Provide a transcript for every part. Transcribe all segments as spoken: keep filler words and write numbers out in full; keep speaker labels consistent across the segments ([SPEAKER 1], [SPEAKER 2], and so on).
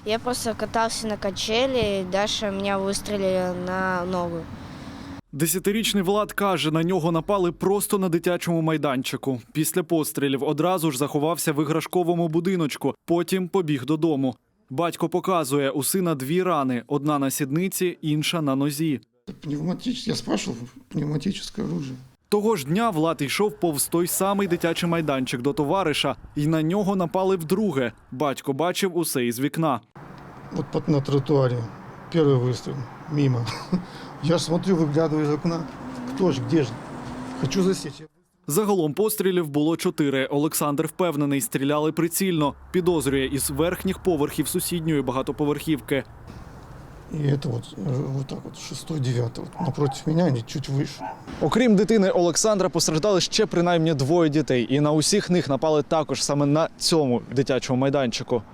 [SPEAKER 1] Я просто катался на качели, и Даша меня выстрелила на ногу.
[SPEAKER 2] Десятирічний Влад каже, на нього напали просто на дитячому майданчику. Після пострілів одразу ж заховався в іграшковому будиночку, потім побіг додому. Батько показує, у сина дві рани – одна на сідниці, інша на нозі.
[SPEAKER 3] Пневматич... Я спрашивал, пневматическое оружие.
[SPEAKER 2] Того ж дня Влад йшов повз той самий дитячий майданчик до товариша, і на нього напали вдруге. Батько бачив усе із вікна.
[SPEAKER 3] Вот под- на тротуаре первый выстрел, мимо. Я смотрю, выглядываю из окна. Кто ж, где ж? Хочу засечь.
[SPEAKER 2] Загалом пострілів було чотири. Олександр впевнений, стріляли прицільно. Підозрює із верхніх поверхів сусідньої багатоповерхівки.
[SPEAKER 3] И это вот, э, вот так вот, шестой, девятый, вот напротив меня, они чуть выше.
[SPEAKER 2] Окрім дитини Олександра, постраждали ще принаймні двоє дітей. І на усіх них напали також саме на цьому дитячому майданчику.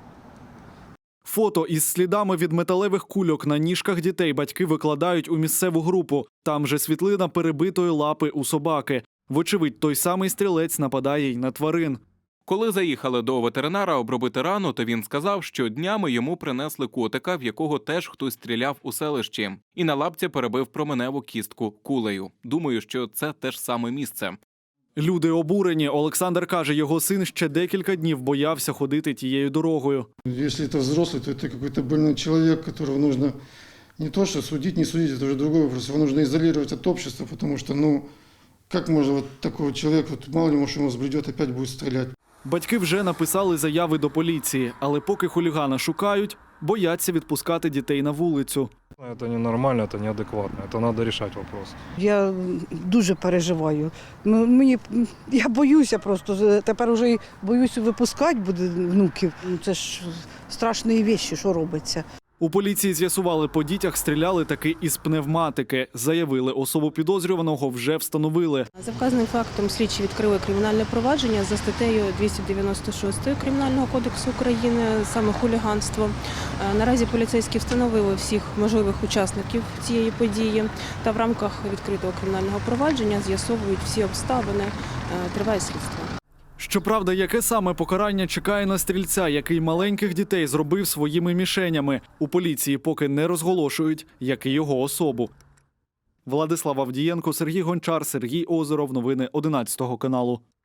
[SPEAKER 2] Фото із слідами від металевих кульок на ніжках дітей батьки викладають у місцеву групу. Там же світлина перебитої лапи у собаки. Вочевидь, той самий стрілець нападає й на тварин.
[SPEAKER 4] Коли заїхали до ветеринара обробити рану, то він сказав, що днями йому принесли котика, в якого теж хтось стріляв у селищі. І на лапці перебив променеву кістку кулею. Думаю, що це те ж саме місце.
[SPEAKER 2] Люди обурені. Олександр каже, його син ще декілька днів боявся ходити тією дорогою.
[SPEAKER 3] Если это взрослый, то это какой-то больной человек, которого нужно не то что судить, не судить, это уже другой вопрос. Его нужно изолировать от общества, потому что, ну, как можно вот такого человека, вот мало ли, может, ему взбредет, опять будет стрелять.
[SPEAKER 2] Батьки вже написали заяви до поліції, але поки хулігана шукають, бояться відпускати дітей на вулицю.
[SPEAKER 5] Это ненормально, это неадекватно, это надо решать вопрос.
[SPEAKER 6] Я дуже переживаю. Ну, мені, я боюся просто, тепер вже й боюся випускати буде внуків. Ну, це ж страшні речі, що робиться.
[SPEAKER 2] У поліції з'ясували, по дітях стріляли таки із пневматики. Заявили, особу підозрюваного вже встановили.
[SPEAKER 7] За вказаним фактом слідчі відкрили кримінальне провадження за статтею двісті дев'яносто шість Кримінального кодексу України, саме хуліганство. Наразі поліцейські встановили всіх можливих учасників цієї події та в рамках відкритого кримінального провадження з'ясовують всі обставини, триває слідство.
[SPEAKER 2] Щоправда, яке саме покарання чекає на стрільця, який маленьких дітей зробив своїми мішенями? У поліції поки не розголошують, як і його особу. Владислав Авдієнко, Сергій Гончар, Сергій Озеров. Новини одинадцятого каналу.